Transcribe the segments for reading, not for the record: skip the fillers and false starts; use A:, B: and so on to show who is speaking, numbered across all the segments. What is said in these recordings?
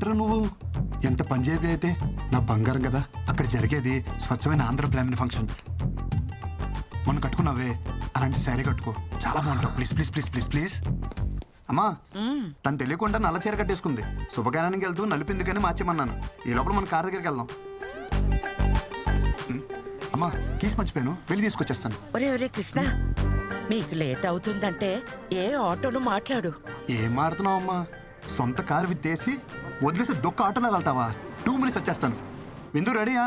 A: ఏంట్రా నువ్వు ఎంత పంజాబీ అయితే నా బంగారం కదా. అక్కడ జరిగేది స్వచ్ఛమైన ఆంధ్ర బ్రాహ్మణ ఫంక్షన్. మొన్న కట్టుకున్నావే అలాంటి శారీ కట్టుకో, చాలా బాగుంటావు. Please please please please please. అమ్మా తను తెలియకుండా నల్ల చీర కట్టేసుకుంది. శుభకార్యానికి వెళ్తూ నలిపిందుకని మార్చేమన్నాను. ఈ లోపల మన కార్ దగ్గరికి వెళ్దాం. అమ్మా కీస్ మర్చిపోయాను, వెళ్ళి తీసుకొచ్చేస్తాను.
B: ఒరే ఒరే కృష్ణ, మీకు లేట్ అవుతుందంటే ఏ ఆటోను మాట్లాడు.
A: ఏం మాడుతున్నావు అమ్మా? సొంత కారు విత్తేసి వదిలేసి దొక్క ఆటోలో వెళ్తావా? 2 minutes వచ్చేస్తాను. విందు రెడీయా?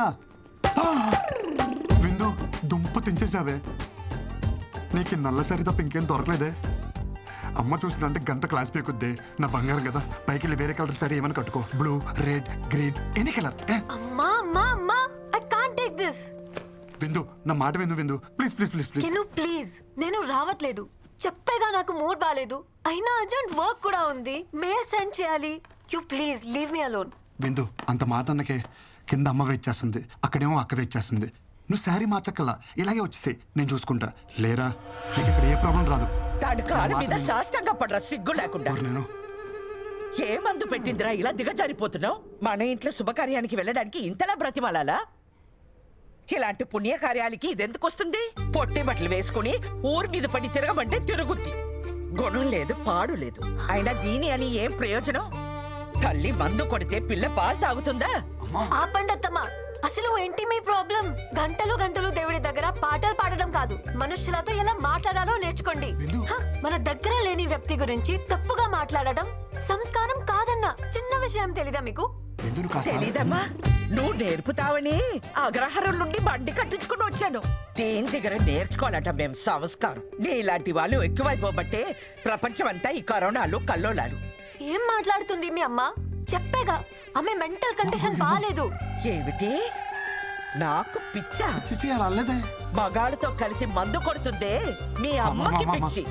A: విందు దుంప తెంచేసావే. నీకు నల్ల సరి తప్ప ఇంకేం దొరకలేదే. అమ్మ చూసిందంటే గంట క్లాస్ పీకుద్ది. నా బంగారం కదా, పైకి వెళ్ళి వేరే కలర్ సరే ఏమైనా కట్టుకో. Blue, red, green, any colour.
C: అమ్మా అమ్మా అమ్మా, ఐ కాంట్ టేక్ దిస్.
A: విందు నా మాట విందు. విందు please please please please.
C: Please నేను రావట్లేదు. చెప్పేగా నాకు మూడ్ బాలేదు. అయినా అర్జెంట్ వర్క్ కూడా ఉంది, మెయిల్ సెండ్ చేయాలి. You please leave me alone.
A: విందు అంత మాట అన్నకే కింద అమ్మ వెయిట్ చేస్తుంది, అక్కడేమో అక్క వెయిట్ చేస్తుంది. నువ్వు శారీ మార్చక్కల్లా ఇలాగే వచ్చేసి నేను చూసుకుంటా. లేరా నీకు ఇక్కడ ఏ ప్రాబ్లం రాదు.
B: దాని కాలు మీద సాష్టంగా పడరా సిగ్గు లేకుండా.
A: నేను
B: ఏ మందు పెట్టిందిరా ఇలా దిగజారిపోతున్నావు? మన ఇంట్లో శుభకార్యానికి వెళ్ళడానికి ఇంతలా బ్రతిమాలాలా? ఇలాంటి పుణ్యకార్యాలకి ఇదెందుకు వస్తుంది? పొట్టి బట్టలు వేసుకుని ఊరి మీద పడి తిరగమంటే తిరుగుద్ది. గుణం లేదు, పాడు లేదు. అయినా దీని అని ఏం ప్రయోజనం? తల్లి మందు కొడితే పిల్ల పాలు తాగుతుందా?
C: ఆపండత్తమ్మా, అసలు ఏంటి మీ ప్రాబ్లం? గంటలు గంటలు దేవుడి దగ్గర పాటలు పాడడం కాదు, మనుషులతో ఎలా మాట్లాడాలో నేర్చుకోండి. మన దగ్గర లేని వ్యక్తి గురించి తప్పుగా మాట్లాడడం సంస్కారం కాదన్న చిన్న విషయం తెలీదా మీకు?
B: తెలీదమ్మా, నువ్వు నేర్పుతావని అగ్రహారం నుండి బండి కట్టించుకుని వచ్చాను. దేని దగ్గర నేర్చుకోవాలట మేం సంస్కారం. నీలాంటి వాళ్ళు ఎక్కువైపోబట్టే ప్రపంచమంతా ఈ కరోనాలు కల్లోలాలు.
C: ఏం మాట్లాడుతుంది మీ అమ్మ? చెప్పేగా ఆమె మెంటల్ కండిషన్ బాలేదు.
B: ఏమిటి నాకు పిచ్చా?
A: అలేదే,
B: మగాళ్ళతో కలిసి మందు కొడుతుందే మీ అమ్మకి పిచ్చి.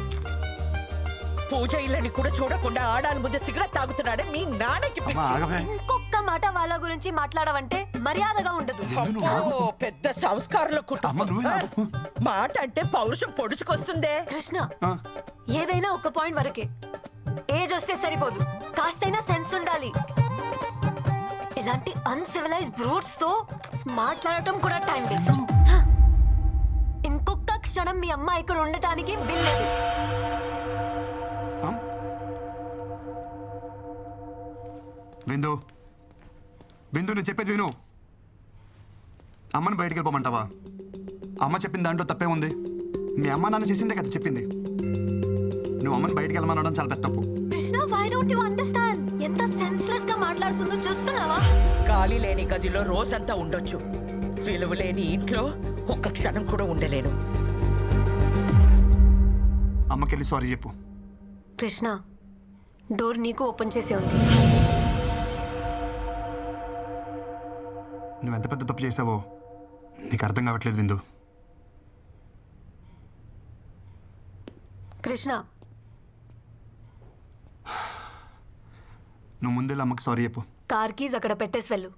B: పూజ ఇళ్ళని కూడా చూడకుండా ఆడాలి ముందు సిగరెట్ తాగుతున్నాడే మీ నాన్నకి పిచ్చి.
C: ఇంకొక మాట వాళ్ళ గురించి మాట్లాడవంటే మర్యాదగా ఉండదు.
B: పెద్ద సంస్కారంలో కుటుంబం. మాట అంటే పౌరుషం పొడుచుకొస్తుందే.
C: కృష్ణ, ఏదైనా ఒక పాయింట్ వరకే. ఏజ్ వస్తే సరిపోదు, కాస్తైనా సెన్స్ ఉండాలి. ఇలాంటి అన్సివిలైజ్ బ్రూట్స్ తో మాట్లాడటం కూడా టైం వేస్ట్. ఇంకొక క్షణం మీ అమ్మ ఇక్కడ ఉండటానికి బిల్లేదు.
A: విందు విందు నువ్వు చెప్పేది విను. అమ్మని బయటికి వెళ్ళిపోమంటావా? అమ్మ చెప్పిన దాంట్లో తప్పే ఉంది. మీ అమ్మ నాన్న చేసిందే కదా చెప్పింది. నువ్వు అమ్మని బయటికి వెళ్ళమనడం చాలా పెద్ద తప్పు.
C: Krishna, why don't you understand? ఎంత సెన్స్లెస్ గా మాట్లాడుతుందో చూస్తున్నావా?
B: గాలి లేని గదిలో రోజంతా ఉండొచ్చు, విలువ లేని ఇంట్లో ఒక్క క్షణం కూడా ఉండలేను.
A: అమ్మకెళ్ళి సారీ చెప్పు.
C: కృష్ణ, డోర్ నీకు ఓపెన్ చేసే ఉంది.
A: నువ్వు ఎంత పెద్ద తప్పు చేసావో నీకు అర్థం కావట్లేదు విందు.
C: కృష్ణ,
A: నువ్వు ముందెళ్ళి అమ్మకి సారీ చెప్పు.
C: కార్ కీజ్ అక్కడ పెట్టేసి వెళ్ళు.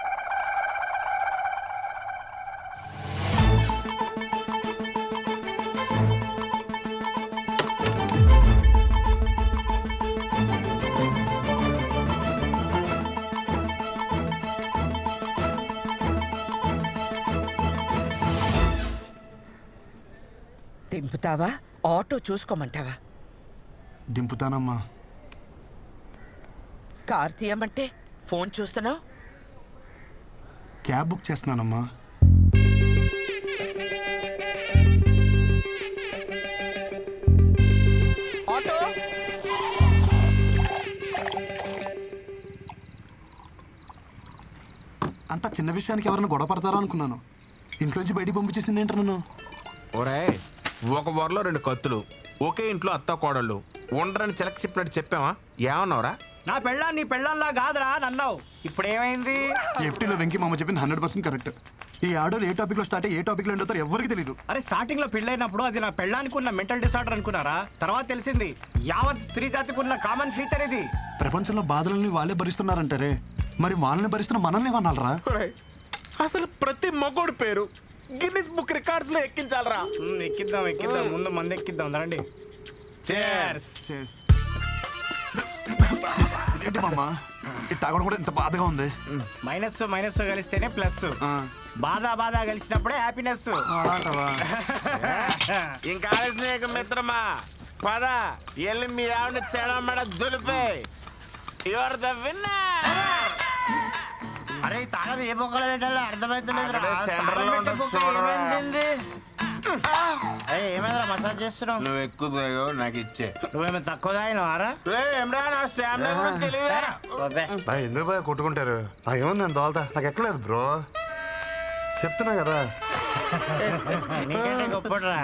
B: దింపుతావా? ఆటో చూసుకోమంటావా?
A: దింపుతానమ్మా.
B: కార్ తీయమంటే ఫోన్ చూస్తున్నావు?
A: క్యాబ్ బుక్ చేస్తున్నానమ్మా.
B: ఆటో
A: అంత చిన్న విషయానికి ఎవరైనా గొడవ పడతారా అనుకున్నాను. ఇంట్లోంచి బయటికి పంపించేసింది ఏంట నన్ను.
D: ఒరే, ఒక వరలో 2 కత్తులు, ఒకే ఇంట్లో అత్త కోడళ్ళు ఉండరని చిలక చెప్పినట్టు చెప్పావా? ఏమన్నావురా?
E: నా పెళ్ళాం నీ పెళ్ళాంలా కాదురా నన్నావు. ఇప్పుడు ఏమైంది?
A: ఎఫ్టీలో వెంకీ మామ చెప్పింది 100% కరెక్ట్. ఈ ఆడోలు ఏ టాపిక్ లో స్టార్ట్ అయ్యి ఏ టాపిక్ లో ఎండుతారో ఎవరికి తెలియదు.
E: అరే, స్టార్టింగ్ లో పెళ్ళైనప్పుడు అది నా పెళ్ళానికి ఉన్న మెంటల్ డిసార్డర్ అనుకున్నారా? తర్వాత తెలిసింది యావత్ స్త్రీ జాతికి ఉన్న కామన్ ఫీచర్ ఇది.
A: ప్రపంచంలో బాధలని వాళ్ళే భరిస్తున్నారంటారే, మరి వాళ్ళని భరిస్తున్న మనల్ని ఏమన్నారా?
D: అసలు ప్రతి మగోడు పేరు గిన్నిస్ బుక్ రికార్డ్స్ లో ఎక్కించాలరా.
E: ఎక్కిద్దాం ముందు మంది ఎక్కిద్దాం రండి.
A: Cheers. ఏంటి మామ ఇది తాగడం కూడా ఇంత బాధగా ఉంది.
E: మైనస్ మైనస్ కలిస్తేనే ప్లస్. బాధ కలిసినప్పుడే హ్యాపీనెస్.
D: ఇంకా ఆలస్యం మిత్రమా, పద ఎల్లి మీ ఆవిడ చెడమడ దులిపే. You're the winner.
E: అరే తాళం ఏ బొక్కలు పెట్టాలో అర్థమైతలేదు. ఏమైనా మసాజ్ చేస్తున్నావు?
D: నువ్వు ఎక్కువ తాగావు, నాకు ఇచ్చే.
E: నువ్వేమో తక్కువ తాగినవారా?
D: ఏమ్రా నా స్టామినా గురించి తెలియదా?
A: ఎందుకు బాగా కొట్టుకుంటారు? నాకేముంది నేను తోలుతా, నాకు ఎక్కలేదు బ్రో, చెప్తున్నా కదా.
E: నీకంటే గొప్పడురా.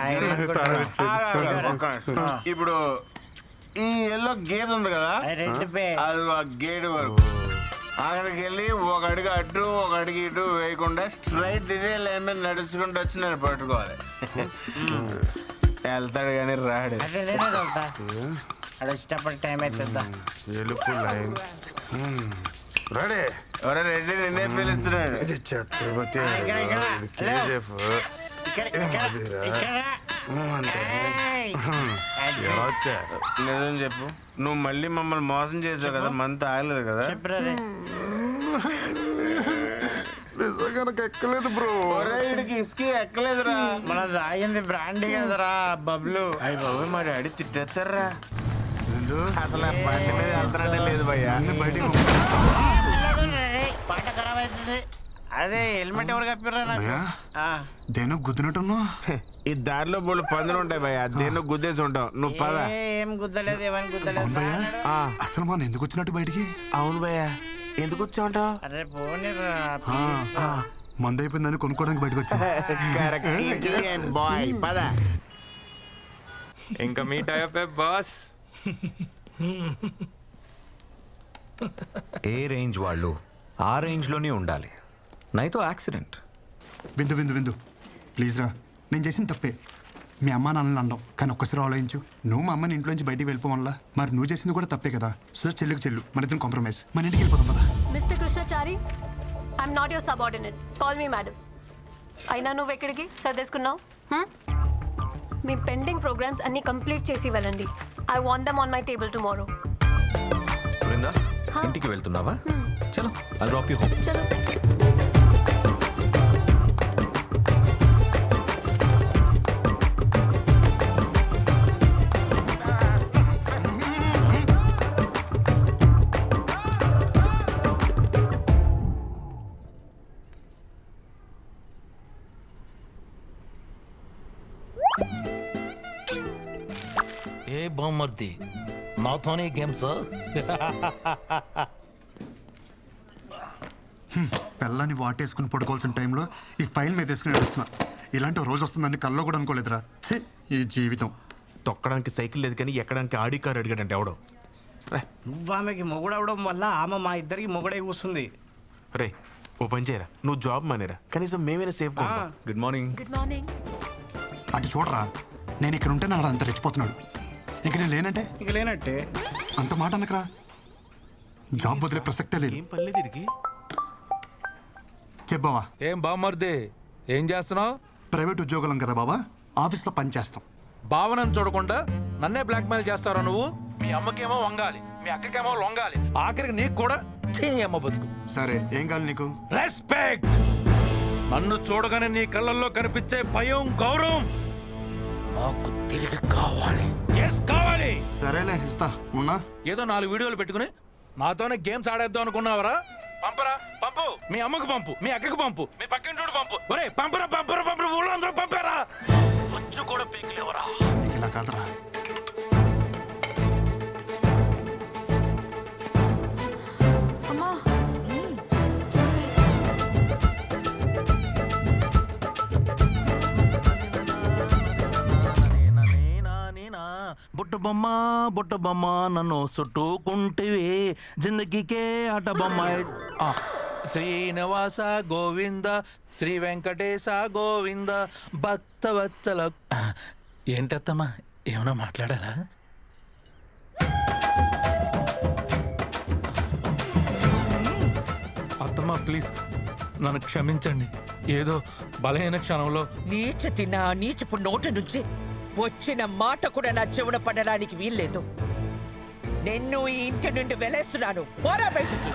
D: ఇప్పుడు ఈ ఎల్లో గేదె ఉంది కదా,
E: రెడ్ పే.
D: అది ఆ గేట్ వరకు అక్కడికి వెళ్ళి ఒక అడుగు అటు ఒక అడుగు ఇటు వేయకుండా స్ట్రైట్ ఇదే లైన్ మీద నడుచుకుంటూ వచ్చి నేను పట్టుకోవాలి. వెళ్తాడు కానీ రాడు.
E: అదే నేనే తోలుతా. అక్కడ ఇష్టపడి టైం అవుతుందా?
A: ఎలుపు లైన్ రెడీ.
D: ఎవరో రెడ్డి నిన్నే పిలుస్తున్నాడు.
A: ఇది ఛత్రపతి,
E: ఇక్కడ, ఇక్కడ.
A: ఇది కేజీఎఫ్.
E: ఇక్కడ, ఇక్కడ, ఇక్కడ. ఏయ్. అది.
A: ఎలా వచ్చారు?
D: నిజం చెప్పు, నువ్వు మళ్ళీ మమ్మల్ని మోసం చేసావు కదా, మంత్ ఆగలేదు కదా?
E: చెప్పురా రే.
A: నిజంగా నాకు ఎక్కలేదు బ్రో.
D: ఒరే వీడికి ఇసుకి ఎక్కలేదురా.
E: మన తాగింది బ్రాండీ కదరా బబ్లు.
D: అయ్యి బాబు మా డాడీ తిట్టేస్తారా.
A: ఏందో?
D: అసలు ఆ బండి మీద వెళ్తానంటే లేదు భయ్యా.
A: అన్ని బయటికి
E: పాట ఖరాబ్ అవుతుంది. అదే హెల్మెట్ ఎవరు కప్పిర్రా నాకు?
A: భయ్యా,
E: ఆ.
A: దేనో గుద్దినట్టున్నావు.
D: ఈ దారిలో బోళ్ళు పందులు ఉంటాయి భయ్యా, దేన్నో గుద్దేసి ఉంటావు. నువ్వు పద.
E: ఏం గుద్దలేదు, ఏమని గుద్దలేదు.
A: అవును భయ్యా,
D: ఆ,
A: అసలు మనం ఎందుకు వచ్చినట్టు బయటికి?
D: అవును భయ్యా, ఎందుకు వచ్చావుంటావు?
E: అరే పోనీరా.
A: మందు అయిపోయిందని కొనుక్కోవడానికి బయటకు వచ్చా.
D: బాయ్ పద.
F: ఇంకా మీట్ అయ్యే బాస్.
G: ఏ రేంజ్ వాళ్ళు ఆ రేంజ్లోనే ఉండాలి, నైతో యాక్సిడెంట్.
A: విందు విందు విందు ప్లీజ్ రా, నేను చేసిన తప్పే. మీ అమ్మ నాన్నని అనడం, కానీ ఒక్కసారి ఆలోచించు. నువ్వు మా అమ్మని ఇంట్లోంచి బయటికి వెళ్ళిపోవల్ల, మరి నువ్వు చేసింది కూడా తప్పే కదా. సో చెల్లుకు చెల్లు, మన ఇద్దరం కాంప్రమైజ్, మన ఇంటికి వెళ్ళిపోతాం కదా.
C: Mister Krishnachari, I'm not your subordinate, call me madam. అయినా నువ్వు ఎక్కడికి సర్దేసుకున్నావు? మీ పెండింగ్ ప్రోగ్రామ్స్ అన్ని కంప్లీట్ చేసి వెళ్ళండి. I want them on my table tomorrow.
G: Brinda, ఇంటికి వెళ్తున్నావా? చలో, ఐ డ్రాప్ యూ హోమ్.
C: చలో.
H: ఏ బామ్మర్ది, నాతోనే గేమ్స్?
A: పిల్లని వాటేసుకుని పడుకోవాల్సిన టైంలో ఈ ఫైల్ మీద వేసుకుని నడుస్తున్నా. ఇలాంటి ఓ రోజు వస్తుందని కల్లో కూడా అనుకోలేదురా. ఛీ, ఈ జీవితం.
D: తొక్కడానికి సైకిల్ లేదు కానీ ఎక్కడానికి ఆడి కారు అడిగాడంటే ఎవడో.
E: నువ్వు ఆమెకి మొగుడవడం వల్ల ఆమె మా ఇద్దరికి మొగుడే కూస్తుంది.
D: రే ఓ పని చేయరా, నువ్వు జాబ్ మానేరా, కనీసం మేమైనా సేఫ్ గా ఉంటాం.
G: Good morning.
C: Good morning.
A: అటు చూడరా, నేను ఇక్కడ ఉంటే నాడు అంత రెచ్చిపోతున్నాడు. ఇంక నేను లేనంటే
E: ఇక లేనట్టే.
A: అంత మాట అనకరా. జాబ్ వదిలే ప్రసక్తే లేదు.
D: ఏం పర్లేదు వీడికి.
A: చెప్పావా,
H: ఏం బామ్మర్ది, ఏం చేస్తున్నావు?
A: ప్రైవేట్ ఉద్యోగులం కదా బాబా, ఆఫీస్లో పని చేస్తాం.
H: భావనను చూడకుండా నన్నే బ్లాక్మెయిల్ చేస్తారా నువ్వు? మీ అమ్మకేమో వంగాలి, మీ అక్కకేమో లొంగాలి, ఆఖరికి నీకు కూడా చేయని అమ్మ బతుకు.
A: సరే, ఏం కావాలి నీకు?
H: రెస్పెక్ట్. నన్ను చూడగానే నీ కళ్ళల్లో కనిపించే భయం, గౌరవం నాకు తిరిగి కావాలి. ఎస్ కావాలి.
A: సరేలే, ఇస్తా. ఉన్నా
H: ఏదో 4 వీడియోలు పెట్టుకుని నాతోనే గేమ్స్ ఆడేద్దాం అనుకున్నావరా? పంపరా, పంపు. మీ అమ్మకు పంపు, మీ అక్కకు పంపు, మీ పక్కింటోడు పంపు. ఒరే పంపరా, పంపరా, పంపరా, ఊళ్ళో అందరూ పంపారా. వచ్చి కూడా పీకలేవరా.
A: ఇలా కాదురా.
C: అమ్మా.
H: బుట్ట బొమ్మ నన్ను చుట్టుకుంటివి, జిందగీకే ఆట బొమ్మ. శ్రీనివాస గోవింద, శ్రీ వెంకటేశ గోవింద, భక్తవత్సల. ఏంటత్తమ్మా, ఏమైనా మాట్లాడాలా? అత్తమ్మా ప్లీజ్ నన్ను క్షమించండి. ఏదో బలహీన క్షణంలో
B: నీచపు నోటి నుంచి వచ్చిన మాట కూడా నా చెవున పడడానికి వీల్లేదు. నిన్ను ఈ ఇంటి నుండి వెలేస్తున్నాను. పోరా బయటికి.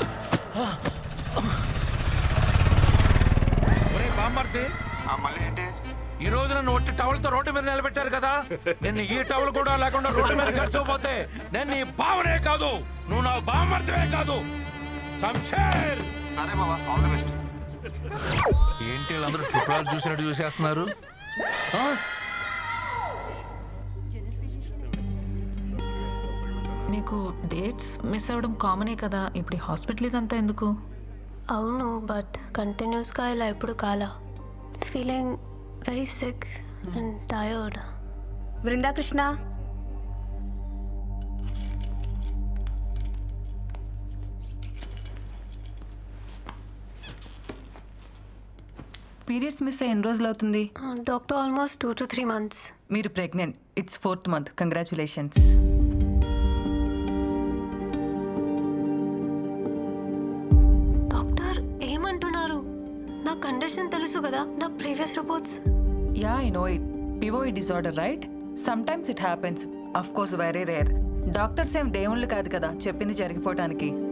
H: ఒరే బామ్మర్ది,
A: మళ్ళీ ఏంటి?
H: ఈ రోజు నన్ను ఒట్టి టవల్తో రోడ్డు మీద నిలబెట్టారు కదా, నిన్ను ఈ టవల్ కూడా లేకుండా రోడ్డు మీద గడిచిపోతే నేను నీ బావనే కాదు, నువ్వు నా బామ్మర్దివే కాదు. శంషేర్.
A: సరే బాబా, ఆల్ ది బెస్ట్.
H: ఏంటి వీళ్ళందరూ ట్రిపుల్ చూసినట్టు చూసేస్తున్నారు? ఆ?
F: నీకు డేట్స్ మిస్ అవ్వడం కామనే కదా, ఇప్పుడు హాస్పిటల్ ఇదంతా ఎందుకు?
C: అవును, బట్ కంటిన్యూస్గా ఇలా ఎప్పుడు కాలా. Feeling very sick and tired.
I: Brindakrishna,
J: periods miss అయ్యి ఎన్ని రోజులు అవుతుంది?
C: Doctor almost 2 to 3 months.
J: మీరు pregnant. It's 4th month. Congratulations.
C: Doctor ఏమంటున్నారు? నా కండిషన్ తెలుసు కదా, నా previous reports.
J: Yeah, I know it. పివోయిడ్ disorder, right? Sometimes it happens. Of course very rare. Doctors ఏం దేవుళ్ళు కాదు కదా చెప్పింది జరిగిపోవటానికి.